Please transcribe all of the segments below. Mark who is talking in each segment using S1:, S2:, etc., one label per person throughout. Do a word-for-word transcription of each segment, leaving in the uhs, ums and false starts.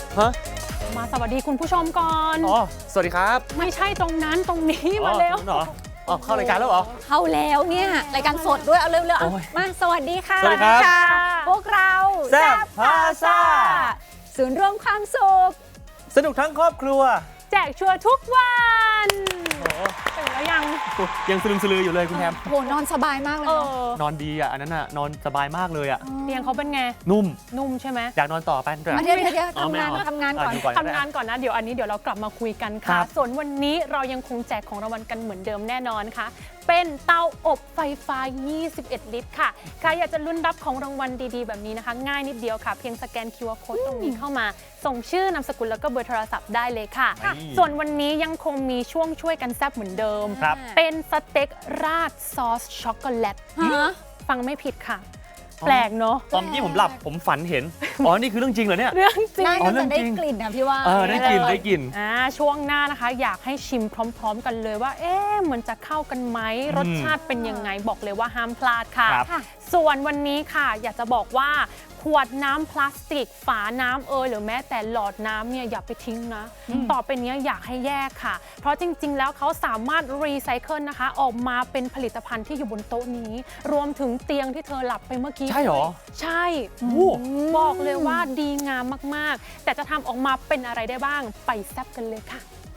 S1: ฮะ
S2: มาสวัสดีคุณผู้ชมก่อน
S1: อ๋อสวัสดีครับ
S2: ไม่ใช่ตรงนั้นตรงนี้มาเร็ว
S1: เหรออ๋อเข้ารายการแล้วเหรอ
S3: เข้าแล้วเนี่ยรายการสดด้วยเอาเร็วๆเอามาสวัสดีค่ะ
S1: สวัสดีครับ
S3: พวกเรา
S1: แซ่บพาซ่า
S3: ศูนย์รวมความสุข
S1: สนุกทั้งครอบครัว
S2: แจกชัวร์ทุกวัน
S1: โอ้
S2: ตื่นแล้วยัง
S1: ยังสลึมสลืออยู่เลยคุณแฮม
S3: โหนอนสบายมากเลย
S2: เอ
S3: เนาะ
S2: อน
S1: อนดีอ่ะอันนั้นอ่ะนอนสบายมากเลยอ่ะ
S2: เตียงเขาเป็นไง
S1: นุ่ม
S2: นุ่มใช่ไหม
S1: อยากนอนต่อไปด้วย
S3: มาเดี๋ยวเดี๋ยว
S1: อ๋อ
S3: ทำ
S1: ไม่
S3: งาน
S1: เอา
S3: ทำงานก่อน
S1: อ่ะอยู่ก่อน
S2: ทำงานก่อนนะเดี๋ยวอันนี้เดี๋ยวเรากลับมาคุยกัน
S1: ครั
S2: ค่ะ
S1: บ
S2: ส่วนวันนี้เรายังคงแจกของรางวัลกันเหมือนเดิมแน่นอนค่ะเป็นเตาอบไฟฟ้ายี่สิบเอ็ดลิตรค่ะใครอยากจะลุ้นรับของรางวัลดีๆแบบนี้นะคะ ง่ายนิดเดียวค่ะเพียงสแกน คิว อาร์ Code ตรงนี้เข้ามาส่งชื่อนามสกุลแล้วก็เบอร์โทรศัพท์ได้เลยค่ะ ส่วนวันนี้ยังคงมีช่วงช่วยกันแซ่บเหมือนเดิม
S1: ครับ
S2: เป็นสเต็กราดซอสช็อกโกแลต
S3: ฮะ
S2: ฟังไม่ผิดค่ะ
S1: อ๋อ
S2: แปลกเนาะ
S1: ตอนเมื่อกี้ผมหลับผมฝันเห็นอ๋อนี่คือเรื่องจริงเหรอเนี่ย
S2: เรื่องจริง
S3: น่า
S1: อ๋อเรื่
S3: จะ
S1: อง
S3: ได้
S1: จริง
S3: กลิ่นนะพี่ว่า
S1: เออได้กลิ่นได้กลิ่น
S2: อ่าช่วงหน้านะคะ อยากให้ชิมพร้อม ๆ กันเลยว่า เอ๊ะมันจะเข้ากันไหมรสชาติเป็นยังไงบอกเลยว่าห้ามพลาดค่ะ
S1: ครับ
S3: ค่ะ
S2: ส่วนวันนี้ค่ะ อยากจะบอกว่าขวดน้ำพลาสติก ฝาน้ำเอยหรือแม้แต่หลอดน้ำเนี่ยอย่าไปทิ้งนะ ต่อไปนี้อยากให้แยกค่ะ เพราะจริง ๆ แล้วเขาสามารถรีไซเคิลนะคะ ออกมาเป็นผลิตภัณฑ์ที่อยู่บนโต๊ะนี้ รวมถึงเตียงที่เธอหลับไปเมื่อกี้
S1: ใช่เหรอ
S2: ใช่
S1: โอ้
S2: บอกเลยว่าดีงามมากๆ แต่จะทำออกมาเป็นอะไรได้บ้างไปแซ่บกันเลยค่ะ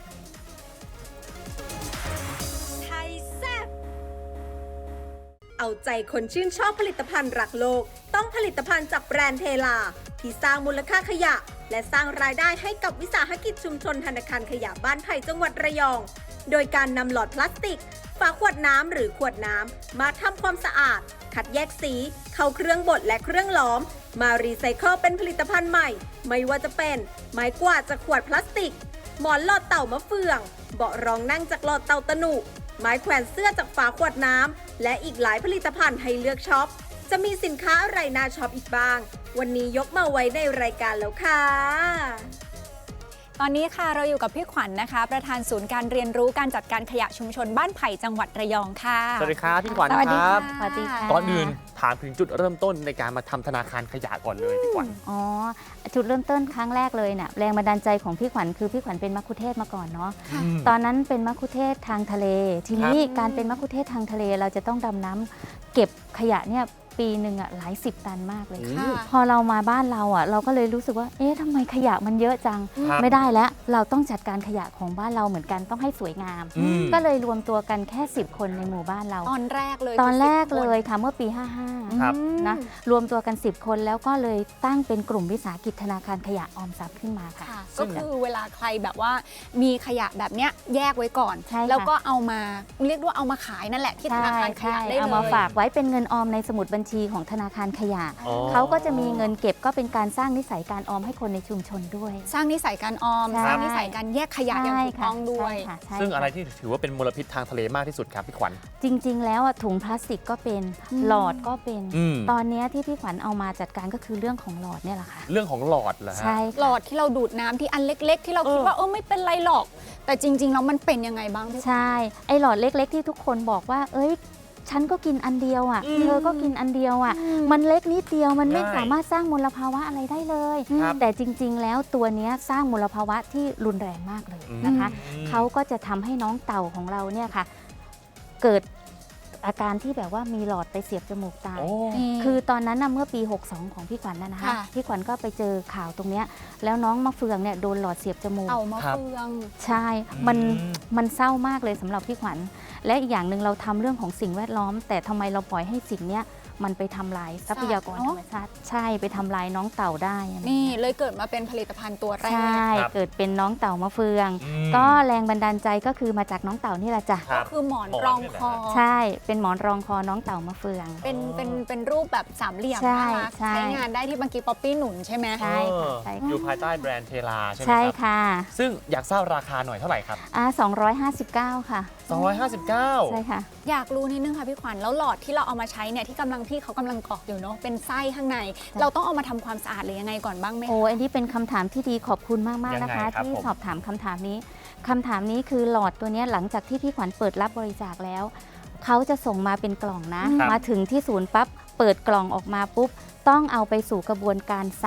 S4: ไทยแซ่บเอาใจคนชื่นชอบผลิตภัณฑ์รักโลก ต้องผลิตภัณฑ์จากแบรนด์เทลา ที่สร้างมูลค่าขยะ และสร้างรายได้ให้กับวิสาหกิจชุมชนธนาคารขยะบ้านไผ่จังหวัดระยอง โดยการนำหลอดพลาสติก ฝาขวดน้ำหรือขวดน้ำมาทำความสะอาด คัดแยกสี เข้าเครื่องบดและเครื่องหลอม มารีไซเคิลเป็นผลิตภัณฑ์ใหม่ ไม่ว่าจะเป็นไม้กวาดจากขวดพลาสติก หมอนหลอดเต่ามะเฟือง เบาะรองนั่งจากหลอดเต่าตะหนุ ไม้แขวนเสื้อจากฝาขวดน้ำและอีกหลายผลิตภัณฑ์ให้เลือกช็อป จะมีสินค้าอะไรน่าช็อปอีกบ้าง วันนี้ยกมาไว้ในรายการแล้วค่ะ
S3: ตอนนี้ค่ะเราอยู่กับพี่ขวัญนะคะ ประธานศูนย์การเรียนรู้การจัดการขยะชุมชนบ้านไผ่จังหวัดระยองค่ะ
S1: สวัสดีครับพี่ขวัญ
S3: สวัสดี
S1: ค
S3: ค่ะ
S1: รับ
S5: สวัสดีค่ะ
S1: ก่อนอื่นถามถึงจุดเริ่มต้นในการมาทำธนาคารขยะก่อนเลยพี่ขวัญ
S5: อ๋อจุดเริ่มต้นครั้งแรกเลยเนี่ยแรงบันดาลใจของพี่ขวัญคือพี่ขวัญเป็นมัคคุเทศก์มาก่อนเนาะ
S1: อืม
S5: ตอนนั้นเป็นมัคคุเทศก์ทางทะเล ทีนี้
S3: ครับ
S5: การเป็นมัคคุเทศก์ทางทะเลเราจะต้องดำน้ำเก็บขยะเนี่ยปีหนึ่งอ่ะหลายสิบตันมากเลย
S3: ค่ะ
S5: พอเรามาบ้านเราอ่ะเราก็เลยรู้สึกว่าเอ๊ะทำไมขยะมันเยอะจัง
S1: ครับ
S5: ไม่ได้แล้วเราต้องจัดการขยะของบ้านเราเหมือนกันต้องให้สวยงาม
S1: อืม
S5: ก็เลยรวมตัวกันแค่สิบคนในหมู่บ้านเรา
S3: ตอนแรกเลย
S5: ตอนแรก
S3: คือสิบ
S5: เลยค่ะเมื่อปี ห้าห้า
S1: ครับ
S5: นะรวมตัวกัน สิบ คนแล้วก็เลยตั้งเป็นกลุ่มวิสาหกิจธนาคารขยะออมทรัพย์ขึ้นมาค่ะ
S3: ค่ะ
S5: ซึ่
S3: ก็
S5: ง
S3: คือเวลาใครแบบว่ามีขยะแบบเนี้ยแยกไว้ก่อน
S5: ใช่ค่ะ
S3: แล้วก็เอามาเรียกว่าเอามาขายนั่นแหละที่ธนาคารข
S5: ใช่
S3: ยะได้เลย
S5: เอามาฝากไว้เป็นเงินออมในสมุดบัญชีของธนาคารขยะ
S1: อ๋อ
S5: เขาก็จะมีเงินเก็บก็เป็นการสร้างนิสัยการออมให้คนในชุมชนด้วย
S3: สร้างนิสัยการออม
S5: ใช่
S3: สร้างนิสัยการแยกขยะอย่างถูกต้องด้วย
S5: ใช่ค่ะใช่
S1: ซึ่งอะไร
S5: ค่ะ
S1: ที่ถือว่าเป็นมลพิษทางทะเลมากที่สุดครับพี่ขวัญ
S5: จริง ๆ แล้วอะถุงพลาสติกก็เป็น
S3: อืม
S5: หลอดก็เป็น
S1: อืม
S5: ตอนเนี้ยที่พี่ขวัญเอามาจัดการก็คือเรื่องของหลอดเนี่ยแหละค่ะ
S1: เรื่องของหลอดเหรอฮะ
S5: ใช่
S3: หลอดที่เราดูดน้ำที่อันเล็ก ๆ ที่เราคิด
S1: เออ
S3: ว่าเออไม่เป็นไรหรอก แต่จริง ๆ แล้วมันเป็นยังไงบ้างพี่
S5: ใช่ ไอหลอดเล็ก ๆ ที่ทุกคนบอกว่า เอ้ย ฉันก็กินอันเดียวอ่ะ
S1: อืม
S5: เธอก็กินอันเดียวอ่ะ
S3: อืม
S5: มันเล็กนิดเดียว มันไม่
S1: ใช่
S5: สามารถสร้างมลภาวะอะไรได้เลย
S1: ครับ
S5: แต่จริง ๆ แล้วตัวเนี้ยสร้างมลภาวะที่รุนแรงมากเลยนะคะ
S1: อืม
S5: เขาก็จะทำให้น้องเต่าของเราเนี่ยค่ะ เกิดอาการที่แบบว่ามีหลอดไปเสียบจมูกตาย
S1: โอ้
S3: นี่
S5: คือตอนนั้นนะเมื่อปี หกสอง ของพี่ขวัญนะนะคะ
S3: ค่ะ
S5: พี่ขวัญก็ไปเจอข่าวตรงเนี้ยแล้วน้องมะเฟืองเนี่ยโดนหลอดเสียบจมูก
S3: เอามา
S1: ครับ
S3: เฟือง
S5: ใช่ มัน
S1: อืม
S5: มันเศร้ามากเลยสำหรับพี่ขวัญ และอีกอย่างหนึ่งเราทำเรื่องของสิ่งแวดล้อม แต่ทำไมเราปล่อยให้สิ่งเนี้ยมันไปทำลายทรัพยากรธรรมชาติ ใช่ ไปทำลายน้องเต่าได้อะไร
S3: นี่เลยเกิดมาเป็นผลิตภัณฑ์ตัวแร
S5: ใช่
S3: ก
S1: ครับ
S5: เกิดเป็นน้องเต่ามะเฟือง
S1: อืม
S5: ก็แรงบันดาลใจก็คือมาจากน้องเต่านี่แหละจ้ะ
S1: ครั
S3: ก็
S1: บ
S3: คือหมอน
S1: หมอน
S3: รอง
S1: นี่แหละ
S3: คอ
S5: ใช่ เป็นหมอนรองคอน้องเต่ามะเฟือง
S3: เป็นเป็นเป็นรูปแบบสามเหลี่ยม
S5: ใช่
S3: น่ารัก
S5: ใช่
S3: ใช้งานได้ที่บางกีป๊อปปี้หนุนใช่ไหม
S5: ใช่ค่ะใช่ค่ะ
S1: อยู่ภายใต้แบรนด์เทลาใช่ไหม
S5: ใช่
S1: ครับ
S5: ค่ะ
S1: ซึ่งอยากทราบราคาหน่อยเท่าไหร่ครับ
S5: อ่าสองร้อยห้าสิบเก้าค่ะ
S1: สองร้อยห้าสิบเก้า
S5: ใช่ค่ะ
S3: อยากรู้นิดนึงค่ะพี่ขวัญแล้วหลอดที่เราเอามาใช้เนี่ยที่กำลังพี่เขากำลังกรอกอยู่เนาะเป็นไส้ข้างใน เราต้องเอามาทำความสะอาดหรือยังไงก่อนบ้างไหมคะ
S5: โอ้อันนี้เป็นคำถามที่ดีขอบคุณมาก
S1: ยังไง
S5: ๆ นะคะ
S1: ครับ
S5: ที่
S1: ผม
S5: สอบถามคำถามนี้คำถามนี้คือหลอดตัวเนี้ยหลังจากที่พี่ขวัญเปิดรับบริจาคแล้ว เขาจะส่งมาเป็นกล่องนะ
S1: ครับ
S5: มาถึงที่ศูนย์ปั๊บเปิดกล่องออกมาปุ๊บ ต้องเอาไปสู่กระบวนการซัก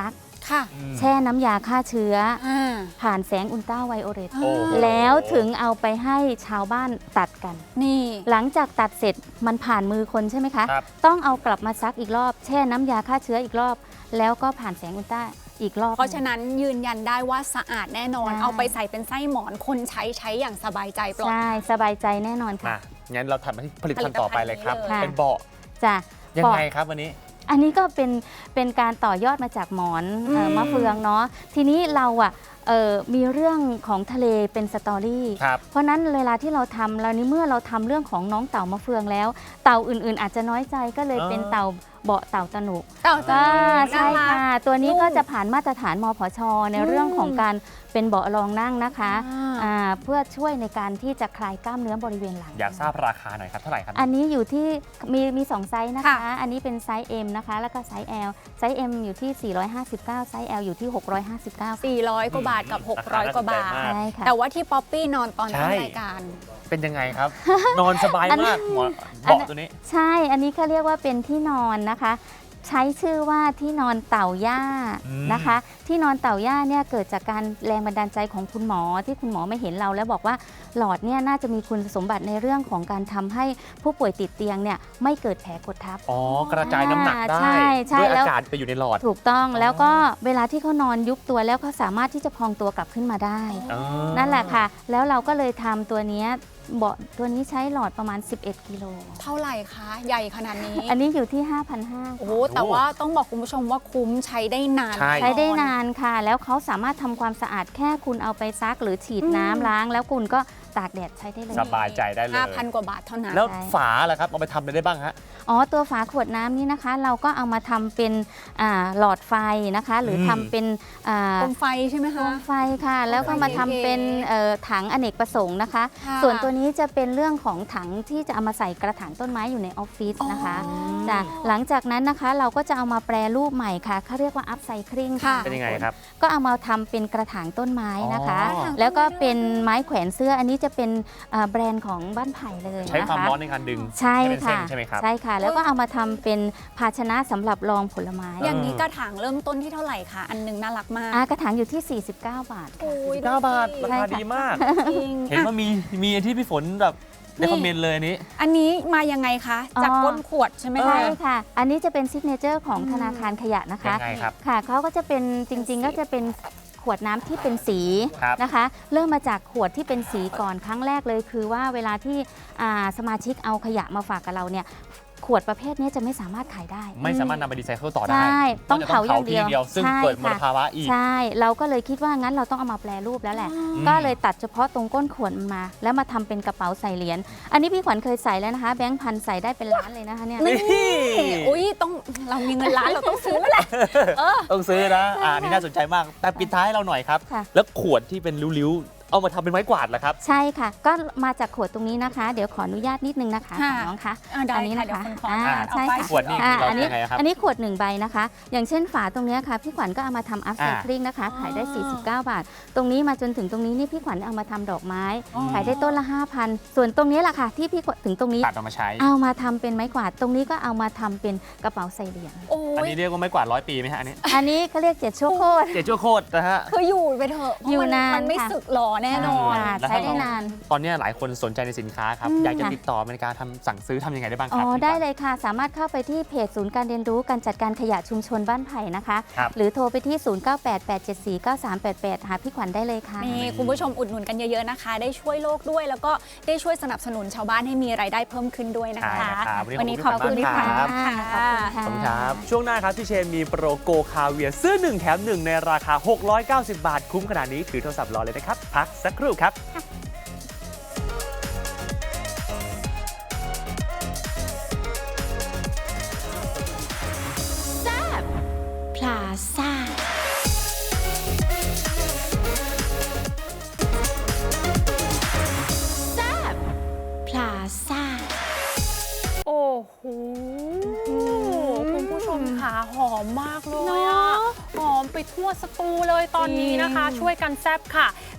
S3: ค่ะ
S5: แช่น้ำยาฆ่าเชื้อ
S3: อ่า
S5: ผ่านแสงอุลตราไวโอเลต
S1: โอ้โห
S5: แล้วถึงเอาไปให้ชาวบ้านตัดกัน
S3: นี่
S5: หลังจากตัดเสร็จมันผ่านมือคนใช่ไหมคะ
S1: ครับ
S5: ต้องเอากลับมาซักอีกรอบ แช่น้ำยาฆ่าเชื้ออีกรอบ แล้วก็ผ่านแสงอุลตราอีกรอบ
S3: เพราะฉะนั้นยืนยันได้ว่าสะอาดแน่นอน
S5: ใช่
S3: เอาไปใส่เป็นไส้หมอนคนใช้ใช้อย่างสบายใจปลอด
S5: ใช่
S3: ภัย
S5: สบายใจแน่นอนค่ะ
S1: มางั้นเราถัดมาที่ผลิตภัณฑ์ต่อไปเลยครับ
S3: ผลิตภัณฑ์นี้เลย
S1: เป็นเบาะ
S5: จ้ะ
S1: ยัง
S5: บอก
S1: ไงครับวันนี้
S5: อันนี้ก็เป็นเป็นการต่อยอดมาจากหมอนเอ่อ
S3: อืม
S5: มะเฟืองเนาะทีนี้เราอ่ะเอ่อมีเรื่องของทะเลเป็นสตอรี่
S1: ครับ
S5: เพราะนั้นเวลาที่เราทำเรานี้เมื่อเราทำเรื่องของน้องเต่ามะเฟืองแล้ว เต่าอื่นๆ อาจจะน้อยใจก็เลย
S1: อ๋อ
S5: เป็นเต่าเบาะเต่าตะหนุก
S3: เต่าตะ
S5: อ่า
S3: หนุ
S5: ใช่
S3: น่ารัก
S5: ค่ะ ตัวนี้
S3: นุ่ม
S5: ก็จะผ่านมาตรฐานมพช ใน
S3: อืม
S5: เรื่องของการเป็นเบาะรองนั่งนะคะ
S3: อ่า
S5: อ่าเพื่อช่วยในการที่จะคลายกล้ามเนื้อบริเวณหลัง
S1: อยากทราบราคาหน่อยครับเท่าไหร่ครับ
S5: อันนี้อยู่ที่มีมีสองไซส์นะคะ
S3: ค่ะ
S5: อันนี้เป็นไซส์ M นะคะ แล้วก็ไซส์ L ไซส์ M อยู่ที่ สี่ร้อยห้าสิบเก้า ไซส์ L อยู่ที่ หกร้อยห้าสิบเก้า
S3: สี่ร้อยกว่าบาทกับ หกร้อย กว่าบาท
S1: ราคาน่าสนใจมาก
S5: ใช่ค่ะ
S3: แต่ว่าที่ป๊อปปี้นอนตอน
S1: ใช่
S3: ต้นรายการ
S1: เป็นยังไงครับ นอนสบาย
S5: อัน
S1: มากหมอน
S5: อัน
S1: เบาะตัวนี้
S5: ใช่ อันนี้เขาเรียกว่าเป็นที่นอนนะคะ ใช้ชื่อว่าที่นอนเต่าย่า
S1: อืม
S5: นะคะ ที่นอนเต่าย่าเนี่ยเกิดจากการแรงบันดาลใจของคุณหมอที่คุณหมอไม่เห็นเราแล้วบอกว่าหลอดเนี่ยน่าจะมีคุณสมบัติในเรื่องของการทำให้ผู้ป่วยติดเตียงเนี่ยไม่เกิดแผลกดทับ
S1: อ๋อกระจายน้ำหนักได้
S5: ใช่ใช่
S1: ด้วย
S5: แล้ว
S1: อากาศไปอยู่ในหลอด
S5: ถูกต้อง
S1: อ๋อ
S5: แล้วก็เวลาที่เขานอนยุบตัวแล้วเขาสามารถที่จะพองตัวกลับขึ้นมาได้
S1: อ๋อ
S5: นั่นแหละค่ะ แล้วเราก็เลยทำตัวเนี้ยเบาะตัวนี้ใช้หลอดประมาณ สิบเอ็ด กิโล
S3: เท่าไหร่คะ ใหญ่ขนาดนี้
S5: อันนี้อยู่ที่ ห้าพันห้าร้อย
S3: โอ้โหแต่ว่าต้องบอกคุณผู้ชมว่าคุ้มใช้ได้นาน
S1: ใช่
S5: ใช้ได้นานค่ะ แล้วเขาสามารถทำความสะอาดแค่คุณเอาไปซักหรือฉีดน้ำล้าง แล้วคุณก็ตากแดดใช้ได้เลย
S1: สบายใจได้เลย
S3: ห้าพันกว่าบาทเท่านั้น
S1: แล้ว
S5: ใช่
S1: ฝาล่ะครับเอาไปทำอะไรได้บ้างฮะ
S5: อ๋อ ตัวฝาขวดน้ำนี่นะคะ เราก็เอามาทำเป็นอ่าหลอดไฟนะคะ หรือ
S1: ม
S5: ทำเป็นอ่า
S3: โคมไฟใช่ไหม
S5: โค
S3: คะ
S5: มไฟค่ะ แล้วก็มาทำเป็นเอ่อถังอเนกประสงค์นะคะ
S3: ค่ะ
S5: ส่วนตัวนี้จะเป็นเรื่องของถังที่จะเอามาใส่กระถางต้นไม้อยู่ในออฟฟิศนะคะ
S3: อ๋อ
S5: จ้ะหลังจากนั้นนะคะเราก็จะเอามาแปรรูปใหม่ค่ะเขาเรียกว่าอัพไซคลิงค่ะ
S3: ค่ะ
S1: เป็นยังไงครับ
S5: ก็เอามาทำเป็นกระถางต้นไม้นะคะ
S1: อ๋อ
S5: แล้วก็เป็นไม้แขวนเสื้ออันนี้จะเป็นเอ่อแบรนด์ของบ้านไผ่เลยนะคะ
S1: ใช้ความร้อนในการดึง
S5: ใช่
S1: ให้เป็นเส้
S5: ค่ะ
S1: นใช่ไหมครับ
S5: ใช่ค่ะ แล้วก็เอามาทำเป็นภาชนะสำหรับรองผลไม้
S3: อย่างนี้กระถางเริ่มต้นที่เท่าไหร่คะ อันหนึงน่ารักมาก
S5: อ่ากระถางอยู่ที่ สี่สิบเก้า บาทค่ะ
S3: โอ้ย
S1: เก้าบาท
S3: ดู
S1: รา
S3: สิ
S1: คาดีมาก
S3: จริง
S1: เห็นว่ามีมีที่พี่ฝนแบบใน
S3: นี่
S1: คอมเมนต์เลยอันนี้
S3: อันนี้มายังไงคะ จาก
S5: อ๋อ
S3: ก้นขวดใช่ไหม
S5: ใช่
S3: คะ
S5: ค่ะ อันนี้จะเป็นซิกเนเจอร์ของธนาคารขยะนะคะ
S1: ยังไงครับ
S5: ค่ะเขาก็จะเป็นจริงๆ ก็จะเป็นขวดน้ำที่เป็นสี
S1: ครับ
S5: นะคะ เริ่มมาจากขวดที่เป็นสีก่อนครั้งแรกเลยคือว่าเวลาที่อ่าสมาชิกเอาขยะมาฝากกับเราเนี่ยขวดประเภทนี้จะไม่สามารถขายได้
S1: ไม่สามารถนำไปรีไซเคิลต่อได้
S5: ใช่ต้องเผาอย่างเดียว
S1: ทีเดียว ซึ่ง
S5: ใช่
S1: เกิดมล
S5: ค่ะ
S1: ภาวะอีก
S5: ใช่ เราก็เลยคิดว่างั้นเราต้องเอามาแปรรูปแล้วแหละ
S1: อืม
S5: ก็เลยตัดเฉพาะตรงก้นขวดมันมา แล้วมาทำเป็นกระเป๋าใส่เหรียญ อันนี้พี่ขวัญเคยใส่แล้วนะคะ แบงค์พันใส่ได้เป็นล้านเลยนะคะเนี่ย
S1: นี่
S3: อุ้ยต้องเรามีเงินล้านเราต้องซื้อแล้วแหละ
S1: ต้องซื้อนะ อ่าอันนี่น่าสนใจมาก แต่ปิดท้ายให้เราหน่อยครับ
S5: ค่ะ
S1: แล้วขวดที่เป็นริ้วๆ เอามาทำเป็นไม้กวาดเหรอครับ
S5: ใช่ค่ะ ก็มาจากขวดตรงนี้นะคะ เดี๋ยวขออนุญาตนิดนึงนะคะ
S3: ค่ะ
S5: ของน้องคะ
S3: อ่าได้
S5: อันนี้
S3: ค่ะ
S5: นะคะ
S3: เดี๋ยวคนขอ
S5: อ่า
S3: อ่าน
S5: ใช่
S3: เอาป้าย
S5: ค่ะ
S1: ขวดนี่
S5: อ่า
S1: เรา
S5: อันนี้
S1: ยังไงครับ
S5: อันนี้ขวดหนึ่งใบนะคะ อย่างเช่นฝาตรงเนี้ยค่ะพี่ขวัญก็เอามาทำอัพไซคลิงนะคะ ขายได้ สี่สิบเก้า บาท ตรงนี้มาจนถึงตรงนี้นี่พี่ขวัญเอามาทำดอกไม้
S3: อ๋อ
S5: ขายได้ต้นละ ห้าพัน ส่วนตรงนี้แหละค่ะที่พี่ขวัญถึงตรงนี้
S1: ตัดออกมาใช้
S5: เอามาทำเป็นไม้กวาด ตรงนี้ก็เอามาทำเป็นกระเป๋าใส่เหรียญ
S3: โอ้
S1: อัน
S3: ย
S1: นี้เรียกว่าไม้กวาดร้อยปีไหมฮะอันนี้
S5: อันนี้เขาเรียกเจ็ดชั่วโคตร
S1: เจ็ดชั่วโคตรนะฮะ
S3: คืออยู่ไปเถอะเพราะ
S5: อยู่
S3: มัน
S5: นาน
S3: มันไม่
S5: ค่ะ
S3: สึกหรอแน่นอน
S5: ค่ะ
S1: แล้ว
S5: ใช้ได้นาน
S1: ตอนนี้หลายคนสนใจในสินค้าครับ
S5: อืม
S1: อยากจะ
S5: ค่ะ
S1: ติดต่อในการทำสั่งซื้อทำยังไงได้บ้างค
S5: อ๋
S1: รั
S5: อ
S1: พี่
S5: ได้
S1: ขวัญ
S5: เลยค่ะ สามารถเข้าไปที่เพจศูนย์การเรียนรู้การจัดการขยะชุมชนบ้านไผ่นะคะ
S1: ครับ
S5: หรือโทรไปที่ ศูนย์ เก้า แปด แปด เจ็ด สี่ เก้า สาม แปด แปด หาพี่ขวัญได้เลยค่ะ
S3: นี่คุณผู้ชมอุดหนุนกันเยอะๆนะคะ ได้ช่วยโลกด้วย แล้วก็ได้ช่วยสนับสนุนชาวบ้านให้มีรายได้เพิ่มขึ้นด้วยนะ
S1: ใช่
S3: คะ
S1: นะครับ
S3: วันนี้ขอบคุณ
S1: พี่
S3: พี่
S1: ข
S3: ข
S1: วั
S3: วั
S1: ญ
S3: ญ
S1: ครับ
S3: ค่ะ
S5: ขอบคุณค่ะ
S1: ขอบคุณครับ ช่วงหน้าครับพี่เชนมีโปรโกคาเวียซื้อหนึ่งแถมหนึ่งในราคา หกร้อยเก้าสิบ บาท คุ้มขนาดนี้ถือโทรศัพท์รอเลยนะครับ พักสักครู่ครับ
S5: พลาซ่า พลาซ่า
S2: โอ้โหคุณผู้ชมค่ะหอมมากเลย
S3: เน
S2: อะ
S3: อะ
S2: หอมไปทั่วสตูเลยตอนนี้นะคะ
S3: จริง
S2: ช่วยกันแซบค่ะ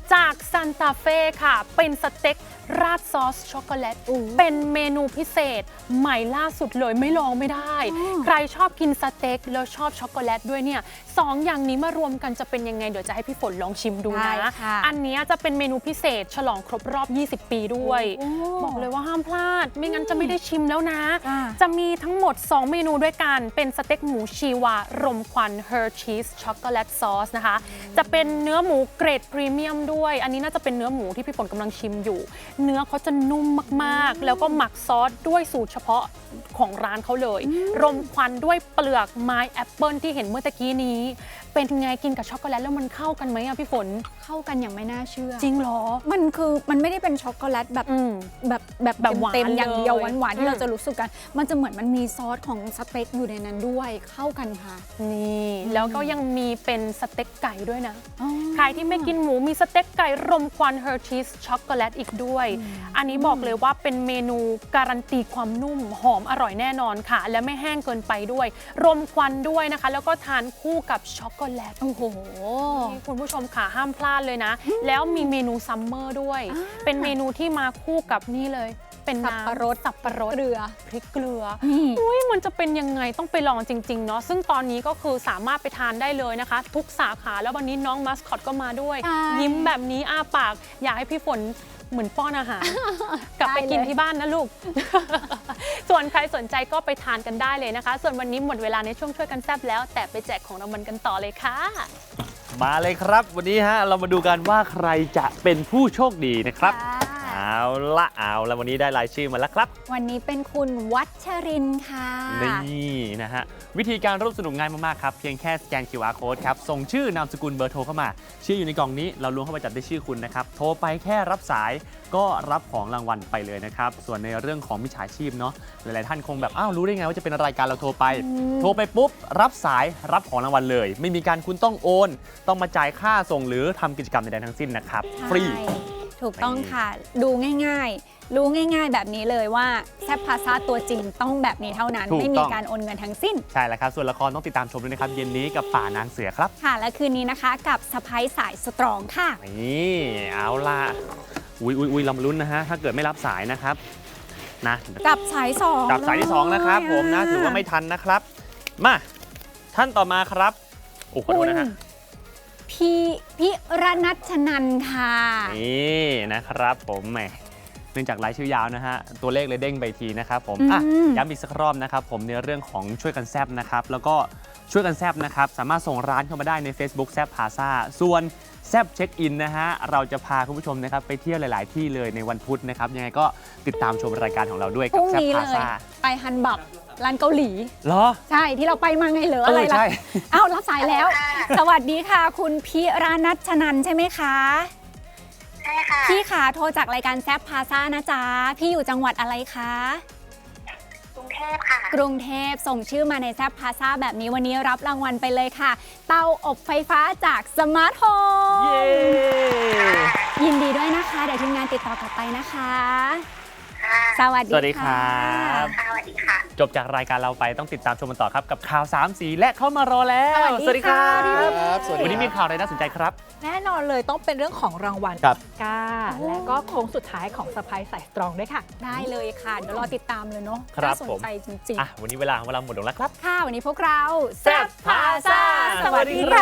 S2: จากซันตาเฟ่ค่ะเป็นสเต็กราดซอสช็อกโกแลตเป็นเมนูพิเศษใหม่ล่าสุดเลยไม่ลองไม่ได้ ใครชอบกินสเต็กแล้วชอบช็อกโกแลตด้วยเนี่ยสองอย่างนี้มารวมกันจะเป็นยังไงเดี๋ยวจะให้พี่ฝนลองชิมดูนะ อันนี้จะเป็นเมนูพิเศษฉลองครบรอบยี่สิบปีด้วยบอกเลยว่าห้ามพลาดไม่งั้นจะไม่ได้ชิมแล้วนะจะมีทั้งหมดสองเมนูด้วยกันเป็นสเต็กหมูชีวารมควันเฮอร์ชีสช็อกโกแลตซอสนะคะจะเป็นเนื้อหมูเกรดพรีเมียมด้วยอันนี้น่าจะเป็นเนื้อหมูที่พี่ฝนกำลังชิมอยู่เนื้อเขาจะนุ่มมากๆแล้วก็หมักซอสด้วยสูตรเฉพาะของร้านเขาเลยรมควันด้วยเปลือกไม้แอปเปิลที่เห็นเมื่อตะกี้นี้เป็นไงกินกับช็อกโกแลตแล้วมันเข้ากันไหมอะพี่ฝน
S3: เข้ากันอย่างไม่น่าเชื่อ
S2: จริงเหรอ
S3: มันคือมันไม่ได้เป็นช็อกโกแลตแบบ
S2: อืม
S3: แบบแบบ
S2: แบบหวาน
S3: เต็มๆอย่างเดียว
S2: เลย
S3: หวานๆที่เรา
S2: อืม
S3: จะรู้สึกกัน มันจะเหมือนมันมีซอสของสเต็กอยู่ในนั้นด้วยเข้ากันค่ะ
S2: นี่แล้วก็ยังมีเป็นสเต็กไก่ด้วยนะ
S3: อ๋อ
S2: ใครที่ไม่กินหมูมีสเต็กไก่รมควันเฮอร์ชีสช็อกโกแลตอีกด้วย อันนี้บอกเลยว่าเป็นเมนูการันตีความนุ่มหอมอร่อยแน่นอนค่ะ และไม่แห้งเกินไปด้วย รมควันด้วยนะคะ แล้วก็ทานคู่กับช็อกโกแลต
S3: โอ้โห
S2: นี่คุณผู้ชมค่ะห้ามพลาดเลยนะ แล้วมีเมนูซัมเมอร์ด้วย เป็นเมนูที่มาคู่กับนี่เลย เป็น
S3: สับ
S2: น้ำ
S3: ปะรด
S2: สับปะรด
S3: เกลือ
S2: พริกเกลือ
S3: นี่
S2: อุ้ยมันจะเป็นยังไงต้องไปลองจริง ๆ เนาะซึ่งตอนนี้ก็คือสามารถไปทานได้เลยนะคะ ทุกสาขาแล้ววันนี้น้องมัสคอตก็มาด้วย
S3: ใช่
S2: ยิ้มแบบนี้อ้าปาก อยากให้พี่ฝนเหมือนป้อนอาหาร กลับไปกิน
S3: ได้เลย
S2: ที่บ้านนะลูก ส่วนใครสนใจก็ไปทานกันได้เลยนะคะ ส่วนวันนี้หมดเวลาในช่วงช่วยกันแซบแล้ว แต่ไปแจกของรางวัลกันต่อเลยค่ะ
S1: มาเลยครับ วันนี้ฮะเรามาดูกันว่าใครจะเป็นผู้โชคดีนะครับ
S3: ค่ะ
S1: เอาละเอาละวันนี้ได้รายชื่อมาแล้วครับ
S3: วันนี้เป็นคุณวัชรินทร์ค่ะ
S1: นี่นะฮะวิธีการร่วมสนุกง่ายมาก ๆ ครับ เพียงแค่สแกน คิว อาร์ Code ครับ ส่งชื่อนามสกุลเบอร์โทรเข้ามา ชื่ออยู่ในกล่องนี้เราล้วงเข้าไปจับได้ชื่อคุณนะครับ โทรไปแค่รับสายก็รับของรางวัลไปเลยนะครับ ส่วนในเรื่องของมิจฉาชีพเนาะหลาย ๆ ท่านคงแบบอ้าวรู้ได้ไงว่าจะเป็นรายการเราโทรไป โทรไปปุ๊บ รับสายรับของรางวัลเลย ไม่มีการคุณต้องโอน ต้องมาจ่ายค่าส่งหรือทำกิจกรรมใด ๆ ทั้งสิ้นนะครับฟรี
S3: ใช่ถูกต้องค่ะ ดูง่ายๆ รู้ง่ายๆ แบบนี้เลยว่าแซบพาซาตัวจริงต้องแบบนี้เท่านั้น
S1: ถูกต้อง
S3: ไม่มีการโอนเงินทั้งสิ้น
S1: ใช่แล้วครับส่วนละครต้องติดตามชมด้วยนะครับเย็นนี้กับป่านางเสือครับ
S3: ค่ะ และคืนนี้นะคะกับสไปซ์สายสตรองค่ะ
S1: นี่เอาล่ะอุ้ยอุ้ยอุ้ยเรามาลุ้นนะฮะถ้าเกิดไม่รับสายนะครับนะ
S3: กับสายสอง
S1: กับสายที่สองนะครับผมนะถือว่าไม่ทันนะครับมาท่านต่อมาครับโอ้ขอโท
S3: คุ
S1: ษ
S3: ณ
S1: นะฮะ
S3: พี่พิรนัชนันท์ค่ะ
S1: นี่นะครับผมแหมเนื่องจากรายชื่อยาวนะฮะตัวเลขเลยเด้งไปทีนะครับผมอ่ะ
S3: อืม
S1: ย้ำอีกสักรอบนะครับผมในเรื่องของช่วยกันแซบนะครับแล้วก็ช่วยกันแซบนะครับสามารถส่งร้านเข้ามาได้ใน Facebook แซบพาซาส่วนแซบเช็คอินนะฮะเราจะพาคุณผู้ชมนะครับไปเที่ยวหลาย ๆ ที่เลยในวันพุธนะครับยังไงก็ติดตามชมรายการของเราด้วย
S3: พ
S1: กับ
S3: รุ่ง
S1: แซบ
S3: นี้
S1: พา
S3: เลย
S1: ซา
S3: ไปฮันบับร้านเกาหลี
S1: เหรอ
S3: ใช่ที่เราไปมาไงเหรอ
S1: เออ
S3: อะไรล่ะ
S1: ใช่
S3: เอ้ารับสายแล้ว สวัสดีค่ะ คุณพิรนัชนันท์ใช่ไหมคะ
S6: ใช่ค่ะ
S3: พี่ขาโทรจากรายการแซบพาซ่านะจ๊ะ พี่อยู่จังหวัดอะไรคะ
S6: กรุงเทพค่ะ
S3: กรุงเทพส่งชื่อมาในแซบพาซ่าแบบนี้วันนี้รับรางวัลไปเลยค่ะ เตาอบไฟฟ้าจากสมาร์ทโฮม
S1: เย้
S3: ยินดีด้วยนะคะ เดี๋ยวทีมงานติดต่อกลับไปนะคะ
S6: ค่ะ
S3: สวัสดี
S1: สวัสดีครั
S3: ค่ะ
S1: บ
S6: ค่ะสวัสดีค่ะ
S1: จบจากรายการเราไปต้องติดตามชมกันต่อครับกับข่าวสามสีและเข้ามารอแล้ว
S3: สวัสดีค่ะ
S1: บวันนี้มีข่าวอะไรน่าสนใจครับ
S7: แน่นอนเลยต้องเป็นเรื่องของรางวัล
S1: ครับ
S7: ก้าและก็โค้งสุดท้ายของสไปซ์สายสตรองด้วยค่ะ
S3: ได้เลยค่ะ เดี๋ยวรอติดตามเลยเนาะ
S1: ครับ
S3: น่าสน
S1: ผม
S3: ใจจริง
S1: อ่ะวันนี้เวลาของเราหมดลงแล้วครับ
S3: ๆ ค่ะ วันนี้พวกเรา
S1: แซ่บพาซ่า
S3: สวัสดีค่ะ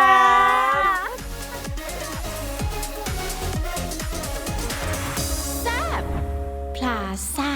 S5: พลาซ่า